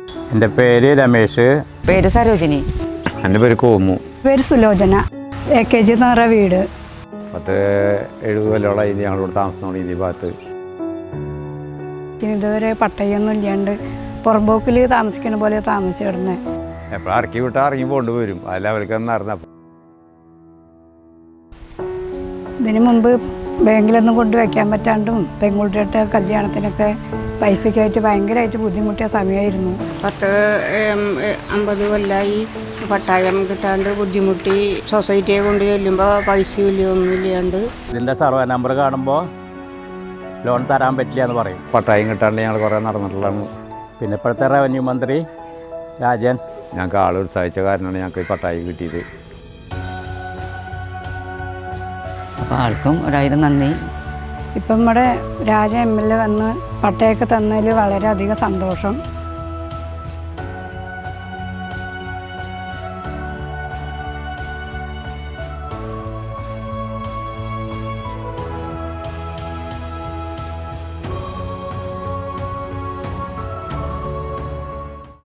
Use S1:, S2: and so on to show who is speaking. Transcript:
S1: എൻ്റെ പേര് രമേശ്.
S2: പേര് സരോജിനി.
S1: എൻ്റെ പേര് കോമു.
S3: പേര് സുലോചന. AKG എന്ന് പറഞ്ഞ വീട്.
S1: 70 കൊല്ലമായി ഞങ്ങളിവിടെ താമസം ഈ ഭാഗത്ത്.
S3: ഇതുവരെ പട്ടയൊന്നും ഇല്ലാണ്ട് പുറമ്പോക്കിൽ താമസിക്കുന്ന പോലെ താമസിച്ചു കിടന്നേ.
S1: എപ്പോഴും ഇറക്കി വിട്ടാൽ ഇറങ്ങി പോണ്ട് വരും. അല്ല അവർക്കൊന്നും അറിഞ്ഞ
S3: ഇതിനു മുമ്പ് ബാങ്കിലൊന്നും കൊണ്ടുവയ്ക്കാൻ പറ്റാണ്ടും പെൺകുട്ടിയുടെ കല്യാണത്തിനൊക്കെ പൈസയ്ക്കായിട്ട് ഭയങ്കരമായിട്ട് ബുദ്ധിമുട്ടിയ സമയമായിരുന്നു.
S4: 50 കൊല്ലമായി പട്ടായം കിട്ടാണ്ട് ബുദ്ധിമുട്ടി. സൊസൈറ്റിയെ കൊണ്ട് ചെല്ലുമ്പോൾ പൈസയില്ല ഒന്നുമില്ലാണ്ട്.
S1: ഇതിൻ്റെ സർവേ നമ്പർ കാണുമ്പോൾ ലോൺ തരാൻ പറ്റില്ല എന്ന് പറയും. പട്ടായം കിട്ടാണ്ട് ഞങ്ങൾ കുറേ നടന്നിട്ടുള്ളതാണ്. പിന്നെ ഇപ്പോഴത്തെ റവന്യൂ മന്ത്രി രാജൻ ഞങ്ങൾക്ക് ആൾ ഉത്സാഹിച്ച കാരണമാണ് ഞങ്ങൾക്ക് ഈ പട്ടായം കിട്ടിയത്.
S2: അപ്പോൾ ആൾക്കും 1000 നന്ദി.
S3: ഇപ്പം നമ്മുടെ രാജ MLA വന്ന് പട്ടയൊക്കെ തന്നതിൽ വളരെയധികം സന്തോഷം.